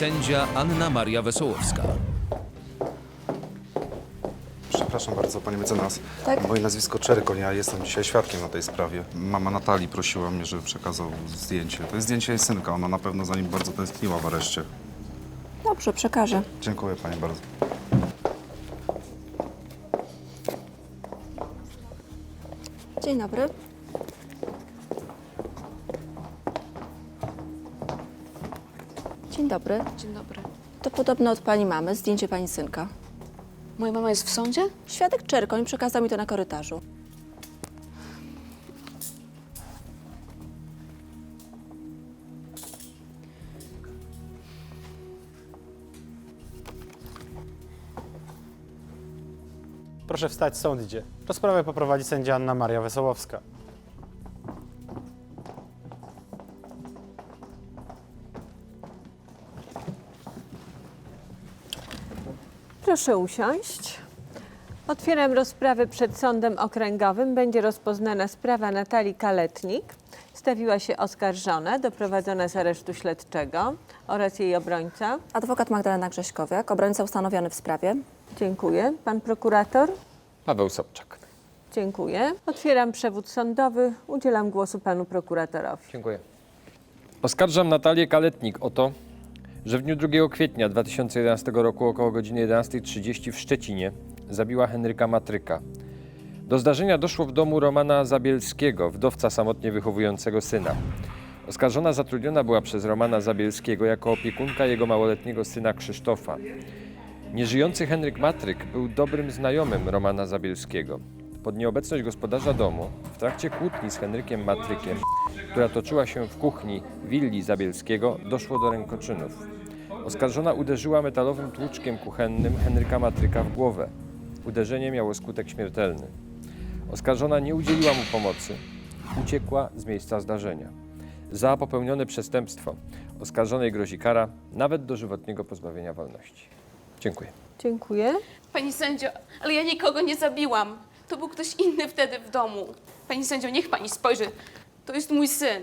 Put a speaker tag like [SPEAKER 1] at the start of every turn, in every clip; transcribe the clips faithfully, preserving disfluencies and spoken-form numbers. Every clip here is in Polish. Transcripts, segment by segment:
[SPEAKER 1] sędzia Anna Maria Wesołowska.
[SPEAKER 2] Przepraszam bardzo, panie mecenas.
[SPEAKER 3] Tak?
[SPEAKER 2] Moje nazwisko Czerkoń, ja jestem dzisiaj świadkiem na tej sprawie. Mama Natalii prosiła mnie, żeby przekazał zdjęcie. To jest zdjęcie jej synka, ona na pewno za nim bardzo tęskniła w areszcie.
[SPEAKER 3] Dobrze, przekażę.
[SPEAKER 2] Dziękuję pani bardzo.
[SPEAKER 3] Dzień dobry. Dzień dobry.
[SPEAKER 4] Dzień dobry.
[SPEAKER 3] To podobno od pani mamy, zdjęcie pani synka.
[SPEAKER 4] Moja mama jest w sądzie?
[SPEAKER 3] Świadek Czerkoń przekazał mi to na korytarzu.
[SPEAKER 5] Proszę wstać, sąd idzie. Rozprawę poprowadzi sędzia Anna Maria Wesołowska.
[SPEAKER 6] Proszę usiąść. Otwieram rozprawę przed sądem okręgowym. Będzie rozpoznana sprawa Natalii Kaletnik. Stawiła się oskarżona, doprowadzona z aresztu śledczego oraz jej obrońca.
[SPEAKER 3] Adwokat Magdalena Grześkowiak, obrońca ustanowiony w sprawie.
[SPEAKER 6] Dziękuję. Pan prokurator?
[SPEAKER 7] Paweł Sobczak.
[SPEAKER 6] Dziękuję. Otwieram przewód sądowy. Udzielam głosu panu prokuratorowi.
[SPEAKER 7] Dziękuję. Oskarżam Natalię Kaletnik o to, że w dniu drugiego kwietnia dwa tysiące jedenastego roku około godziny jedenastej trzydzieści w Szczecinie zabiła Henryka Matryka. Do zdarzenia doszło w domu Romana Zabielskiego, wdowca samotnie wychowującego syna. Oskarżona zatrudniona była przez Romana Zabielskiego jako opiekunka jego małoletniego syna Krzysztofa. Nieżyjący Henryk Matryk był dobrym znajomym Romana Zabielskiego. Pod nieobecność gospodarza domu, w trakcie kłótni z Henrykiem Matrykiem, która toczyła się w kuchni willi Zabielskiego, doszło do rękoczynów. Oskarżona uderzyła metalowym tłuczkiem kuchennym Henryka Matryka w głowę. Uderzenie miało skutek śmiertelny. Oskarżona nie udzieliła mu pomocy. Uciekła z miejsca zdarzenia. Za popełnione przestępstwo oskarżonej grozi kara nawet dożywotniego pozbawienia wolności. Dziękuję.
[SPEAKER 6] Dziękuję.
[SPEAKER 4] Pani sędzio, ale ja nikogo nie zabiłam. To był ktoś inny wtedy w domu. Pani sędzio, niech pani spojrzy. To jest mój syn.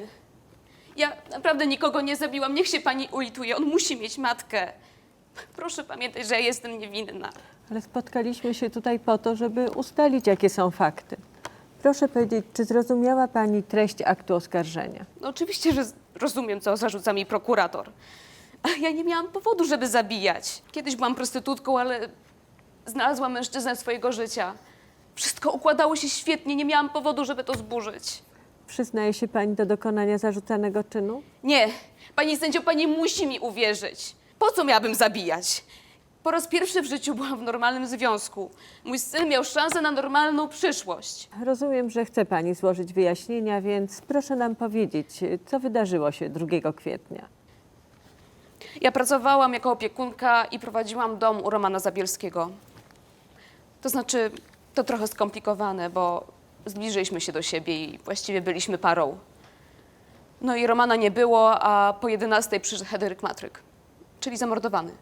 [SPEAKER 4] Ja naprawdę nikogo nie zabiłam. Niech się pani ulituje. On musi mieć matkę. Proszę pamiętać, że ja jestem niewinna.
[SPEAKER 6] Ale spotkaliśmy się tutaj po to, żeby ustalić, jakie są fakty. Proszę powiedzieć, czy zrozumiała pani treść aktu oskarżenia?
[SPEAKER 4] No oczywiście, że rozumiem, co zarzuca mi prokurator. Ale ja nie miałam powodu, żeby zabijać. Kiedyś byłam prostytutką, ale znalazłam mężczyznę swojego życia. Wszystko układało się świetnie. Nie miałam powodu, żeby to zburzyć.
[SPEAKER 6] Przyznaje się pani do dokonania zarzucanego czynu?
[SPEAKER 4] Nie. Pani sędzio, pani musi mi uwierzyć. Po co miałabym zabijać? Po raz pierwszy w życiu byłam w normalnym związku. Mój syn miał szansę na normalną przyszłość.
[SPEAKER 6] Rozumiem, że chce pani złożyć wyjaśnienia, więc proszę nam powiedzieć, co wydarzyło się drugiego kwietnia.
[SPEAKER 4] Ja pracowałam jako opiekunka i prowadziłam dom u Romana Zabielskiego. To znaczy, to trochę skomplikowane, bo zbliżyliśmy się do siebie i właściwie byliśmy parą. No i Romana nie było, a po jedenastej przyszedł Henryk Matryk, czyli zamordowany.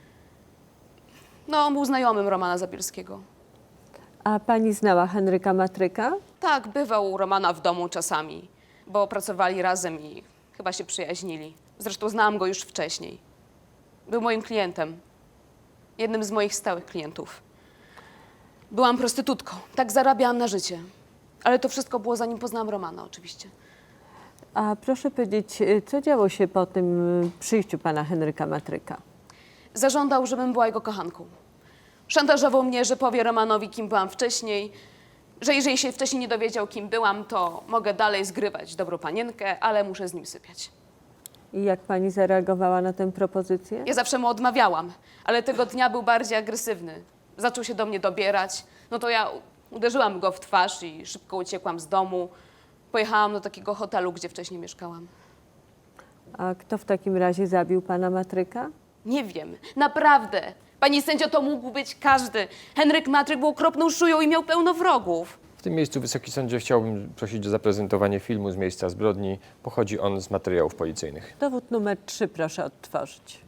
[SPEAKER 4] No, on był znajomym Romana Zabielskiego.
[SPEAKER 6] A pani znała Henryka Matryka?
[SPEAKER 4] Tak, bywał u Romana w domu czasami, bo pracowali razem i chyba się przyjaźnili. Zresztą znałam go już wcześniej. Był moim klientem. Jednym z moich stałych klientów. Byłam prostytutką. Tak zarabiałam na życie. Ale to wszystko było zanim poznałam Romana, oczywiście.
[SPEAKER 6] A proszę powiedzieć, co działo się po tym y, przyjściu pana Henryka Matryka?
[SPEAKER 4] Zażądał, żebym była jego kochanką. Szantażował mnie, że powie Romanowi, kim byłam wcześniej, że jeżeli się wcześniej nie dowiedział, kim byłam, to mogę dalej zgrywać dobrą panienkę, ale muszę z nim sypiać.
[SPEAKER 6] I jak pani zareagowała na tę propozycję?
[SPEAKER 4] Ja zawsze mu odmawiałam, ale tego dnia był bardziej agresywny. Zaczął się do mnie dobierać. No to ja uderzyłam go w twarz i szybko uciekłam z domu. Pojechałam do takiego hotelu, gdzie wcześniej mieszkałam.
[SPEAKER 6] A kto w takim razie zabił pana Matryka?
[SPEAKER 4] Nie wiem, naprawdę. Pani sędzio, to mógł być każdy. Henryk Matryk był okropną szują i miał pełno wrogów.
[SPEAKER 7] W tym miejscu, Wysoki Sądzie, chciałbym prosić o zaprezentowanie filmu z miejsca zbrodni. Pochodzi on z materiałów policyjnych.
[SPEAKER 6] Dowód numer trzy proszę odtworzyć.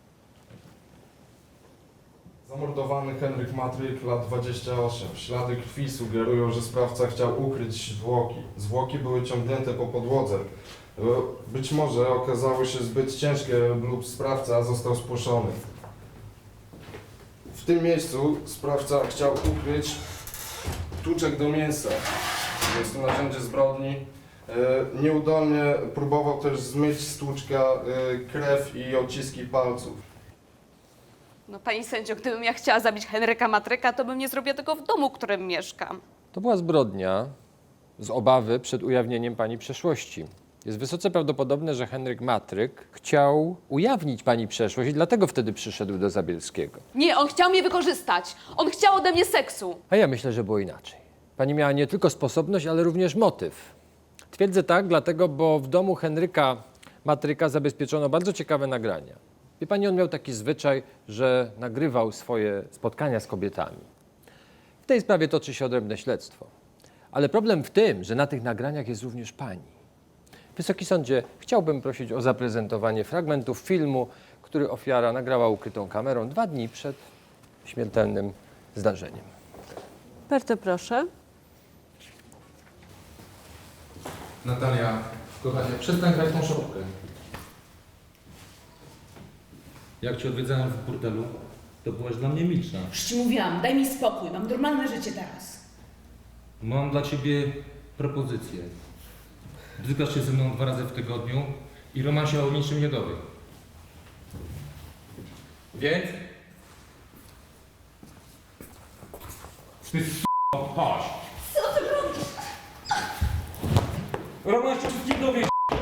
[SPEAKER 8] Zamordowany Henryk Matryk, lat dwadzieścia osiem. Ślady krwi sugerują, że sprawca chciał ukryć zwłoki. Zwłoki były ciągnięte po podłodze. E, Być może okazały się zbyt ciężkie lub sprawca został spłoszony. W tym miejscu sprawca chciał ukryć tłuczek do mięsa. Jest to narzędzie zbrodni. E, Nieudolnie próbował też zmyć z tłuczka e, krew i odciski palców.
[SPEAKER 4] No pani sędzio, gdybym ja chciała zabić Henryka Matryka, to bym nie zrobiła tego w domu, w którym mieszkam.
[SPEAKER 7] To była zbrodnia z obawy przed ujawnieniem pani przeszłości. Jest wysoce prawdopodobne, że Henryk Matryk chciał ujawnić pani przeszłość i dlatego wtedy przyszedł do Zabielskiego.
[SPEAKER 4] Nie, on chciał mnie wykorzystać. On chciał ode mnie seksu.
[SPEAKER 7] A ja myślę, że było inaczej. Pani miała nie tylko sposobność, ale również motyw. Twierdzę tak, dlatego, bo w domu Henryka Matryka zabezpieczono bardzo ciekawe nagrania. Wie pani, on miał taki zwyczaj, że nagrywał swoje spotkania z kobietami. W tej sprawie toczy się odrębne śledztwo. Ale problem w tym, że na tych nagraniach jest również pani. Wysoki sądzie, chciałbym prosić o zaprezentowanie fragmentów filmu, który ofiara nagrała ukrytą kamerą dwa dni przed śmiertelnym zdarzeniem.
[SPEAKER 6] Bardzo proszę.
[SPEAKER 9] Natalia, kochanie, przestań grać tą szopkę. Jak cię odwiedzałem w burdelu, to byłaś dla mnie milsza.
[SPEAKER 10] Już ci mówiłam, daj mi spokój, mam normalne życie teraz.
[SPEAKER 9] Mam dla ciebie propozycję. Dotykasz się ze mną dwa razy w tygodniu i Roman się o niczym nie dowie. Więc... Ty s***o, chodź! Co ty robisz? Roman się wszystkim dowie.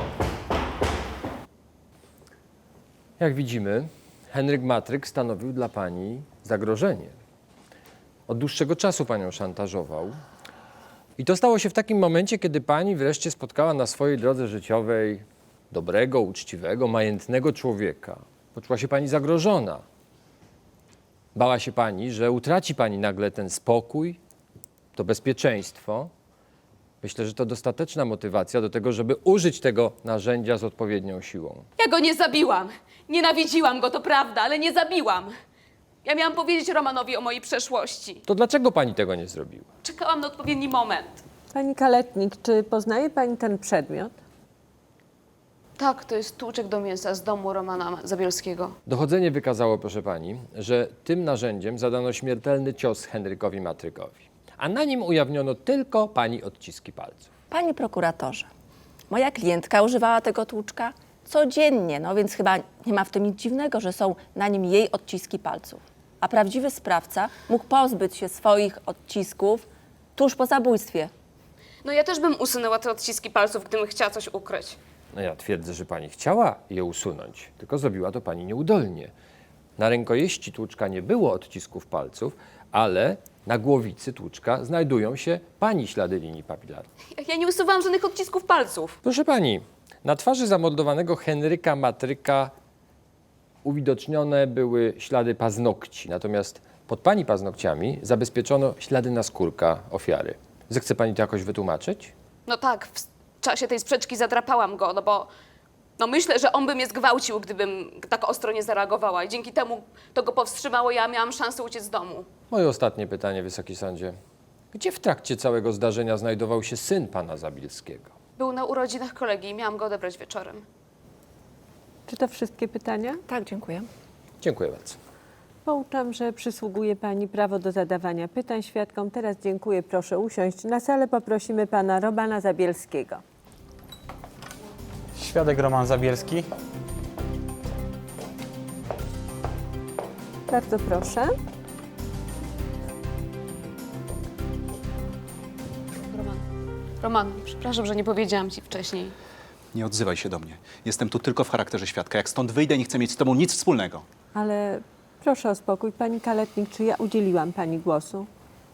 [SPEAKER 7] Jak widzimy, Henryk Matryk stanowił dla pani zagrożenie. Od dłuższego czasu panią szantażował. I to stało się w takim momencie, kiedy pani wreszcie spotkała na swojej drodze życiowej dobrego, uczciwego, majętnego człowieka. Poczuła się pani zagrożona. Bała się pani, że utraci pani nagle ten spokój, to bezpieczeństwo. Myślę, że to dostateczna motywacja do tego, żeby użyć tego narzędzia z odpowiednią siłą.
[SPEAKER 4] Ja go nie zabiłam. Nienawidziłam go, to prawda, ale nie zabiłam. Ja miałam powiedzieć Romanowi o mojej przeszłości.
[SPEAKER 7] To dlaczego pani tego nie zrobiła?
[SPEAKER 4] Czekałam na odpowiedni moment.
[SPEAKER 6] Pani Kaletnik, czy poznaje pani ten przedmiot?
[SPEAKER 4] Tak, to jest tłuczek do mięsa z domu Romana Zabielskiego.
[SPEAKER 7] Dochodzenie wykazało, proszę pani, że tym narzędziem zadano śmiertelny cios Henrykowi Matrykowi, a na nim ujawniono tylko pani odciski palców.
[SPEAKER 3] Panie prokuratorze, moja klientka używała tego tłuczka codziennie, no więc chyba nie ma w tym nic dziwnego, że są na nim jej odciski palców. A prawdziwy sprawca mógł pozbyć się swoich odcisków tuż po zabójstwie.
[SPEAKER 4] No ja też bym usunęła te odciski palców, gdybym chciała coś ukryć.
[SPEAKER 7] No ja twierdzę, że pani chciała je usunąć, tylko zrobiła to pani nieudolnie. Na rękojeści tłuczka nie było odcisków palców, ale na głowicy tłuczka znajdują się pani ślady linii papilarnych.
[SPEAKER 4] Ja- Ja nie usuwałam żadnych odcisków palców.
[SPEAKER 7] Proszę pani, na twarzy zamordowanego Henryka Matryka uwidocznione były ślady paznokci, natomiast pod pani paznokciami zabezpieczono ślady naskórka ofiary. Zechce pani to jakoś wytłumaczyć?
[SPEAKER 4] No tak, w czasie tej sprzeczki zadrapałam go, no bo no myślę, że on by mnie zgwałcił, gdybym tak ostro nie zareagowała i dzięki temu to go powstrzymało, ja miałam szansę uciec z domu.
[SPEAKER 7] Moje ostatnie pytanie, Wysoki Sądzie. Gdzie w trakcie całego zdarzenia znajdował się syn pana Zabielskiego?
[SPEAKER 4] Był na urodzinach kolegi i miałam go odebrać wieczorem.
[SPEAKER 6] Czy to wszystkie pytania?
[SPEAKER 3] Tak, dziękuję.
[SPEAKER 7] Dziękuję bardzo.
[SPEAKER 6] Pouczam, że przysługuje pani prawo do zadawania pytań świadkom. Teraz dziękuję, proszę usiąść. Na salę poprosimy pana Romana Zabielskiego.
[SPEAKER 5] Świadek Roman Zabielski.
[SPEAKER 6] Bardzo proszę.
[SPEAKER 4] Roman, Roman, przepraszam, że nie powiedziałam ci wcześniej.
[SPEAKER 11] Nie odzywaj się do mnie. Jestem tu tylko w charakterze świadka. Jak stąd wyjdę, nie chcę mieć z tobą nic wspólnego.
[SPEAKER 6] Ale proszę o spokój. Pani Kaletnik, czy ja udzieliłam pani głosu?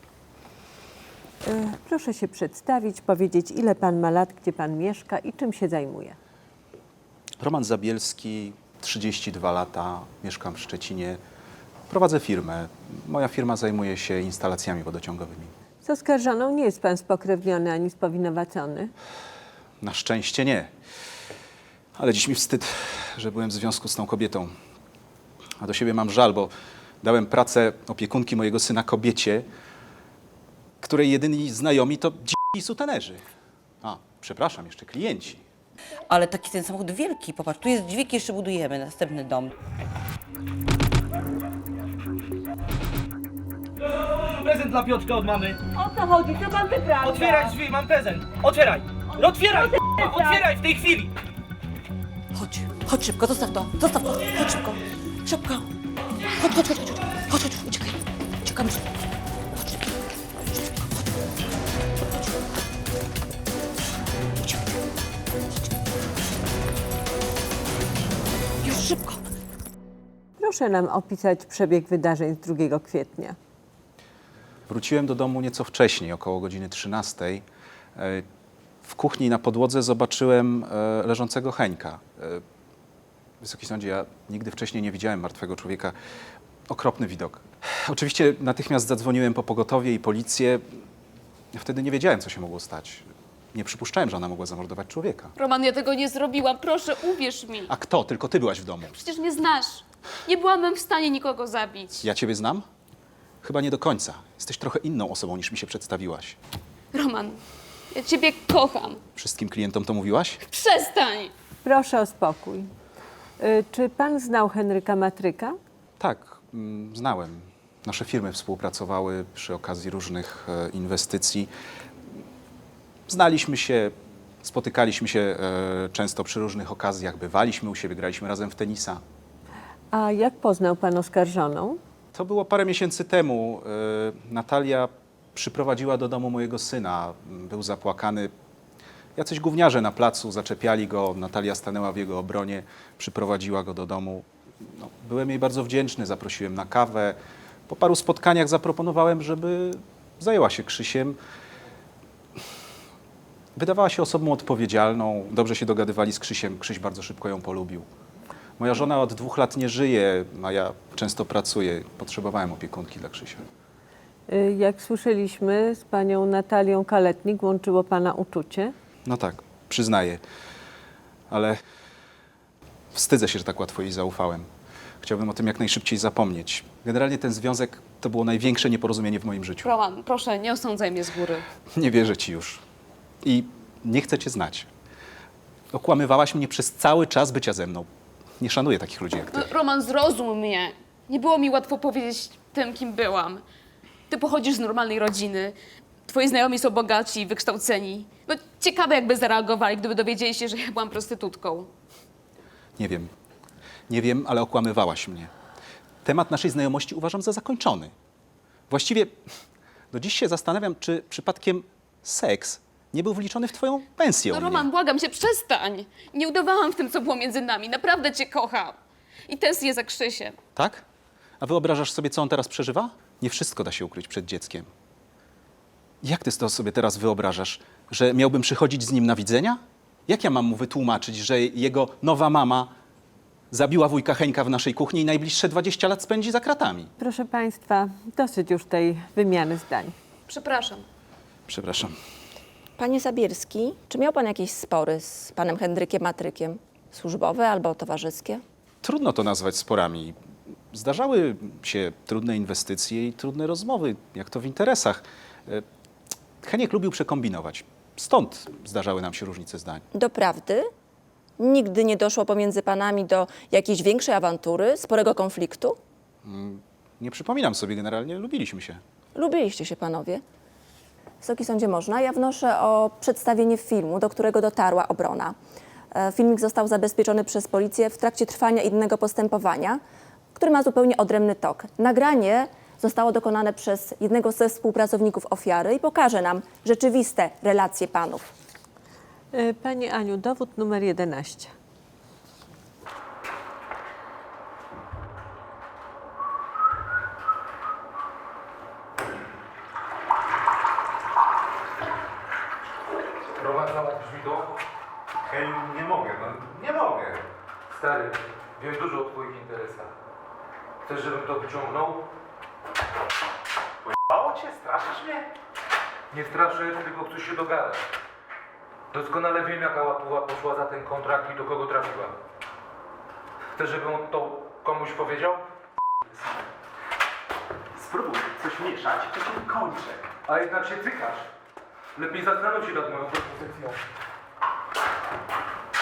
[SPEAKER 6] E, proszę się przedstawić, powiedzieć, ile pan ma lat, gdzie pan mieszka i czym się zajmuje.
[SPEAKER 11] Roman Zabielski, trzydzieści dwa lata, mieszkam w Szczecinie. Prowadzę firmę. Moja firma zajmuje się instalacjami wodociągowymi.
[SPEAKER 6] Z oskarżoną nie jest pan spokrewniony ani spowinowacony.
[SPEAKER 11] Na szczęście nie. Ale dziś mi wstyd, że byłem w związku z tą kobietą. A do siebie mam żal, bo dałem pracę opiekunki mojego syna kobiecie, której jedyni znajomi to dzi- i sutenerzy. A, przepraszam, jeszcze klienci.
[SPEAKER 12] Ale taki ten samochód wielki, popatrz, tu jest dźwig, jeszcze budujemy następny dom.
[SPEAKER 13] Prezent dla Piotrka od mamy.
[SPEAKER 6] O co chodzi? Co pan wyprawia?
[SPEAKER 13] Otwieraj drzwi, mam prezent. Otwieraj! No otwieraj! Otwieraj w tej chwili!
[SPEAKER 12] Chodź, chodź szybko, zostaw to, zostaw to, chodź szybko, szybko. Chodź, chodź, chodź, chodź, chodź, chodź, uciekaj, uciekamy szybko. Chodź szybko, szybko, chodź, chodź. Uciekaj, chodź. Już szybko.
[SPEAKER 6] Proszę nam opisać przebieg wydarzeń z drugiego kwietnia.
[SPEAKER 11] Wróciłem do domu nieco wcześniej, około godziny trzynastej. E, W kuchni na podłodze zobaczyłem e, leżącego Heńka. E, Wysoki sądzie, ja nigdy wcześniej nie widziałem martwego człowieka. Okropny widok. Oczywiście natychmiast zadzwoniłem po pogotowie i policję. Ja wtedy nie wiedziałem, co się mogło stać. Nie przypuszczałem, że ona mogła zamordować człowieka.
[SPEAKER 4] Roman, ja tego nie zrobiłam. Proszę, uwierz mi.
[SPEAKER 11] A kto? Tylko ty byłaś w domu.
[SPEAKER 4] Przecież mnie znasz. Nie byłabym w stanie nikogo zabić.
[SPEAKER 11] Ja ciebie znam? Chyba nie do końca. Jesteś trochę inną osobą, niż mi się przedstawiłaś.
[SPEAKER 4] Roman, ja ciebie kocham.
[SPEAKER 11] Wszystkim klientom to mówiłaś?
[SPEAKER 4] Przestań!
[SPEAKER 6] Proszę o spokój. Y, Czy pan znał Henryka Matryka?
[SPEAKER 11] Tak, mm, znałem. Nasze firmy współpracowały przy okazji różnych e, inwestycji. Znaliśmy się, spotykaliśmy się e, często przy różnych okazjach, bywaliśmy u siebie, graliśmy razem w tenisa.
[SPEAKER 6] A jak poznał pan oskarżoną?
[SPEAKER 11] To było parę miesięcy temu. E, Natalia przyprowadziła do domu mojego syna. Był zapłakany. Jacyś gówniarze na placu zaczepiali go. Natalia stanęła w jego obronie, przyprowadziła go do domu. No, byłem jej bardzo wdzięczny, zaprosiłem na kawę. Po paru spotkaniach zaproponowałem, żeby zajęła się Krzysiem. Wydawała się osobą odpowiedzialną, dobrze się dogadywali z Krzysiem. Krzyś bardzo szybko ją polubił. Moja żona od dwóch lat nie żyje, a ja często pracuję. Potrzebowałem opiekunki dla Krzysia.
[SPEAKER 6] Y, Jak słyszeliśmy, z panią Natalią Kaletnik łączyło pana uczucie.
[SPEAKER 11] No tak, przyznaję, ale wstydzę się, że tak łatwo jej zaufałem. Chciałbym o tym jak najszybciej zapomnieć. Generalnie ten związek to było największe nieporozumienie w moim życiu.
[SPEAKER 4] Roman, proszę, nie osądzaj mnie z góry.
[SPEAKER 11] Nie wierzę ci już. I nie chcę cię znać. Okłamywałaś mnie przez cały czas bycia ze mną. Nie szanuję takich ludzi jak ty.
[SPEAKER 4] No, Roman, zrozum mnie. Nie było mi łatwo powiedzieć tym, kim byłam. Ty pochodzisz z normalnej rodziny. Twoi znajomi są bogaci, wykształceni. No, ciekawe, jakby zareagowali, gdyby dowiedzieli się, że ja byłam prostytutką.
[SPEAKER 11] Nie wiem. Nie wiem, ale okłamywałaś mnie. Temat naszej znajomości uważam za zakończony. Właściwie do dziś się zastanawiam, czy przypadkiem seks nie był wliczony w twoją pensję.
[SPEAKER 4] No,
[SPEAKER 11] u mnie.
[SPEAKER 4] Roman, błagam cię, przestań. Nie udawałam w tym, co było między nami. Naprawdę cię kocham. I tęsknię za Krzysiem.
[SPEAKER 11] Tak? A wyobrażasz sobie, co on teraz przeżywa? Nie wszystko da się ukryć przed dzieckiem. Jak ty to sobie teraz wyobrażasz? Że miałbym przychodzić z nim na widzenia? Jak ja mam mu wytłumaczyć, że jego nowa mama zabiła wujka Heńka w naszej kuchni i najbliższe dwadzieścia lat spędzi za kratami?
[SPEAKER 6] Proszę państwa, dosyć już tej wymiany zdań.
[SPEAKER 4] Przepraszam.
[SPEAKER 11] Przepraszam.
[SPEAKER 3] Panie Zabielski, czy miał pan jakieś spory z panem Henrykiem Matrykiem? Służbowe albo towarzyskie?
[SPEAKER 11] Trudno to nazwać sporami. Zdarzały się trudne inwestycje i trudne rozmowy, jak to w interesach. E, Heniek lubił przekombinować. Stąd zdarzały nam się różnice zdań.
[SPEAKER 3] Doprawdy? Nigdy nie doszło pomiędzy panami do jakiejś większej awantury, sporego konfliktu?
[SPEAKER 11] Nie przypominam sobie, generalnie lubiliśmy się.
[SPEAKER 3] Lubiliście się panowie? Wysoki sądzie, można? Ja wnoszę o przedstawienie filmu, do którego dotarła obrona. E, Filmik został zabezpieczony przez policję w trakcie trwania innego postępowania, który ma zupełnie odrębny tok. Nagranie zostało dokonane przez jednego ze współpracowników ofiary i pokaże nam rzeczywiste relacje panów.
[SPEAKER 6] Y, Pani Aniu, dowód numer jedenaście.
[SPEAKER 9] Roman, załatwisz mi to?
[SPEAKER 2] Hej, nie mogę, no nie mogę.
[SPEAKER 9] Stary, wiem dużo o twoich interesach. Chcesz, żebym to wyciągnął?
[SPEAKER 2] Mało cię, straszysz mnie?
[SPEAKER 9] Nie straszę, tylko chcę się dogadać. Doskonale wiem, jaka łapuła poszła za ten kontrakt i do kogo trafiła. Chcesz, żebym to komuś powiedział?
[SPEAKER 2] Spróbuj coś mieszać, to się kończę.
[SPEAKER 9] A jednak się cykasz. Lepiej zastanów się nad moją propozycją.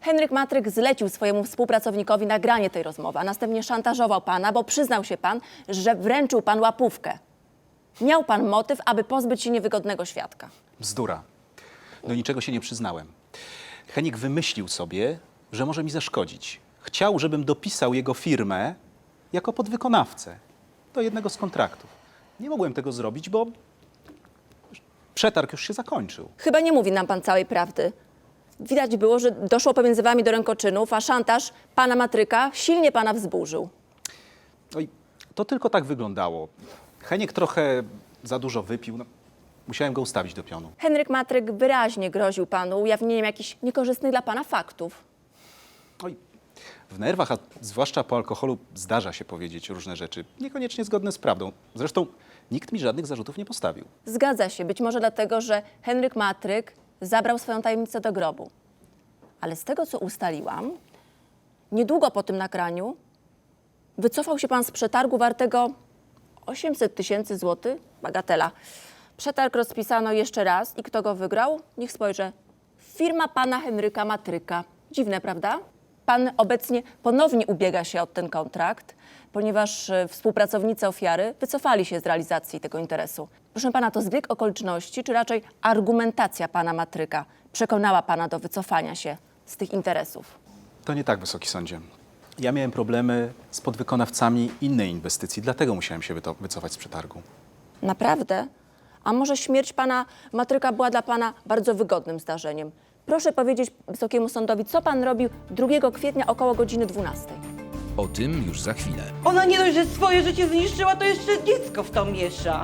[SPEAKER 3] Henryk Matryk zlecił swojemu współpracownikowi nagranie tej rozmowy, a następnie szantażował pana, bo przyznał się pan, że wręczył pan łapówkę. Miał pan motyw, aby pozbyć się niewygodnego świadka.
[SPEAKER 11] Bzdura. Do niczego się nie przyznałem. Henik wymyślił sobie, że może mi zaszkodzić. Chciał, żebym dopisał jego firmę jako podwykonawcę do jednego z kontraktów. Nie mogłem tego zrobić, bo przetarg już się zakończył.
[SPEAKER 3] Chyba nie mówi nam pan całej prawdy. Widać było, że doszło pomiędzy wami do rękoczynów, a szantaż pana Matryka silnie pana wzburzył.
[SPEAKER 11] Oj, to tylko tak wyglądało. Heniek trochę za dużo wypił. No, musiałem go ustawić do pionu.
[SPEAKER 3] Henryk Matryk wyraźnie groził panu ujawnieniem jakichś niekorzystnych dla pana faktów.
[SPEAKER 11] Oj, w nerwach, a zwłaszcza po alkoholu, zdarza się powiedzieć różne rzeczy, niekoniecznie zgodne z prawdą. Zresztą nikt mi żadnych zarzutów nie postawił.
[SPEAKER 3] Zgadza się, być może dlatego, że Henryk Matryk zabrał swoją tajemnicę do grobu. Ale z tego, co ustaliłam, niedługo po tym nagraniu wycofał się pan z przetargu wartego osiemset tysięcy złotych, bagatela. Przetarg rozpisano jeszcze raz i kto go wygrał? Niech spojrzę. Firma pana Henryka Matryka. Dziwne, prawda? Pan obecnie ponownie ubiega się o ten kontrakt, ponieważ e, współpracownicy ofiary wycofali się z realizacji tego interesu. Proszę pana, to zbieg okoliczności, czy raczej argumentacja pana Matryka przekonała pana do wycofania się z tych interesów?
[SPEAKER 11] To nie tak, Wysoki Sądzie. Ja miałem problemy z podwykonawcami innej inwestycji, dlatego musiałem się wyto- wycofać z przetargu.
[SPEAKER 3] Naprawdę? A może śmierć pana Matryka była dla pana bardzo wygodnym zdarzeniem? Proszę powiedzieć Wysokiemu Sądowi, co pan robił drugiego kwietnia około godziny dwunastej.
[SPEAKER 1] O tym już za chwilę.
[SPEAKER 12] Ona nie dość, że swoje życie zniszczyła, to jeszcze dziecko w to miesza.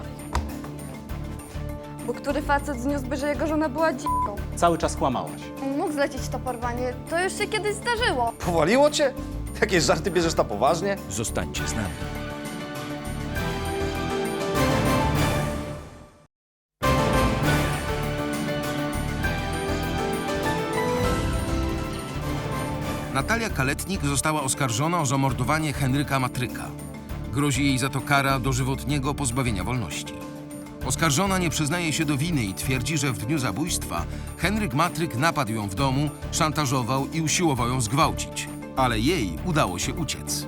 [SPEAKER 14] Bo który facet zniósłby, że jego żona była dziką?
[SPEAKER 11] Cały czas kłamałaś.
[SPEAKER 14] Mógł zlecić to porwanie, to już się kiedyś zdarzyło.
[SPEAKER 15] Powaliło cię? Jakieś żarty bierzesz na poważnie?
[SPEAKER 1] Zostańcie z nami.
[SPEAKER 16] Natalia Kaletnik została oskarżona o zamordowanie Henryka Matryka. Grozi jej za to kara dożywotniego pozbawienia wolności. Oskarżona nie przyznaje się do winy i twierdzi, że w dniu zabójstwa Henryk Matryk napadł ją w domu, szantażował i usiłował ją zgwałcić. Ale jej udało się uciec.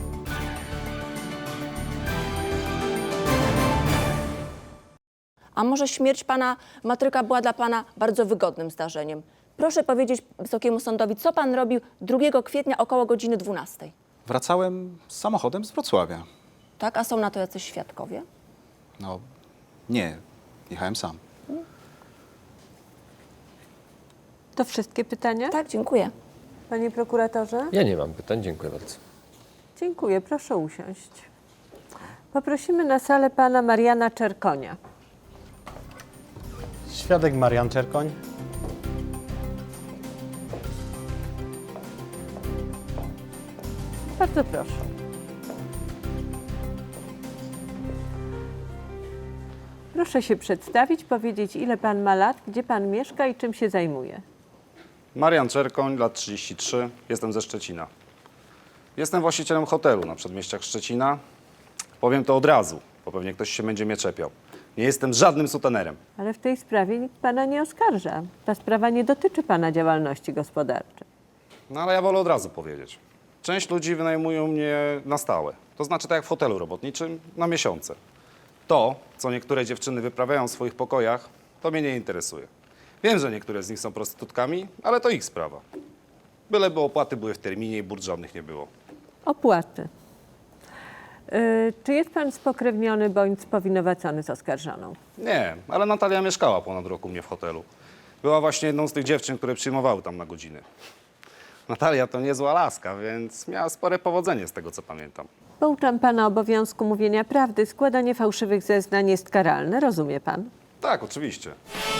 [SPEAKER 3] A może śmierć pana Matryka była dla pana bardzo wygodnym zdarzeniem? Proszę powiedzieć Wysokiemu Sądowi, co pan robił drugiego kwietnia około godziny dwunastej.
[SPEAKER 11] Wracałem z samochodem z Wrocławia.
[SPEAKER 3] Tak? A są na to jacyś świadkowie?
[SPEAKER 11] No, nie, jechałem sam.
[SPEAKER 6] To wszystkie pytania?
[SPEAKER 3] Tak, dziękuję.
[SPEAKER 6] Panie prokuratorze?
[SPEAKER 7] Ja nie mam pytań, dziękuję bardzo.
[SPEAKER 6] Dziękuję, proszę usiąść. Poprosimy na salę pana Mariana Czerkonia.
[SPEAKER 5] Świadek Marian Czerkoń.
[SPEAKER 6] Bardzo proszę. Proszę się przedstawić, powiedzieć, ile pan ma lat, gdzie pan mieszka i czym się zajmuje.
[SPEAKER 2] Marian Czerkoń, lat trzydzieści trzy, jestem ze Szczecina. Jestem właścicielem hotelu na przedmieściach Szczecina. Powiem to od razu, bo pewnie ktoś się będzie mnie czepiał. Nie jestem żadnym sutenerem.
[SPEAKER 6] Ale w tej sprawie nikt pana nie oskarża. Ta sprawa nie dotyczy pana działalności gospodarczej.
[SPEAKER 2] No ale ja wolę od razu powiedzieć. Część ludzi wynajmują mnie na stałe. To znaczy tak jak w hotelu robotniczym, na miesiące. To, co niektóre dziewczyny wyprawiają w swoich pokojach, to mnie nie interesuje. Wiem, że niektóre z nich są prostytutkami, ale to ich sprawa. Byleby opłaty były w terminie i burd żadnych nie było.
[SPEAKER 6] Opłaty. Yy, czy jest pan spokrewniony bądź spowinowacony z oskarżoną?
[SPEAKER 2] Nie, ale Natalia mieszkała ponad rok u mnie w hotelu. Była właśnie jedną z tych dziewczyn, które przyjmowały tam na godziny. Natalia to niezła laska, więc miała spore powodzenie z tego, co pamiętam.
[SPEAKER 6] Pouczam pana obowiązku mówienia prawdy. Składanie fałszywych zeznań jest karalne, rozumie pan?
[SPEAKER 2] Tak, oczywiście.